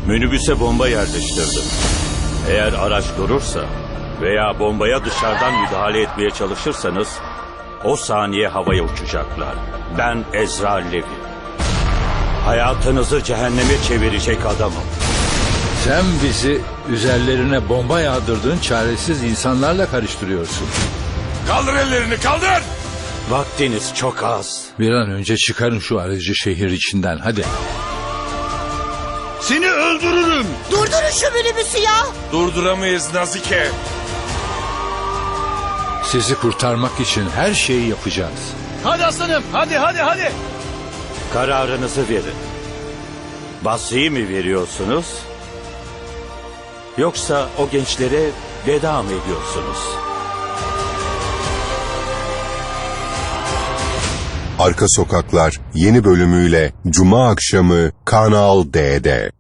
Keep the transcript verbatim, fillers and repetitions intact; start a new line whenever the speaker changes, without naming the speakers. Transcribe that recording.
Minibüse bomba yerleştirdim. Eğer araç durursa veya bombaya dışarıdan müdahale etmeye çalışırsanız o saniye havaya uçacaklar. Ben Ezra Levi. Hayatınızı cehenneme çevirecek adamım.
Sen bizi üzerlerine bomba yağdırdığın çaresiz insanlarla karıştırıyorsun.
Kaldır ellerini, kaldır!
Vaktiniz çok az.
Bir an önce çıkarın şu aracı şehir içinden, hadi.
Seni öldürürüm!
Durdurun şu minibüsü ya.
Durduramayız Nazike.
Sizi kurtarmak için her şeyi yapacağız.
Hadi aslanım, hadi hadi hadi!
Kararınızı verin. Basri'yi mi veriyorsunuz? Yoksa o gençlere veda mı ediyorsunuz?
Arka Sokaklar yeni bölümüyle Cuma akşamı Kanal D'de.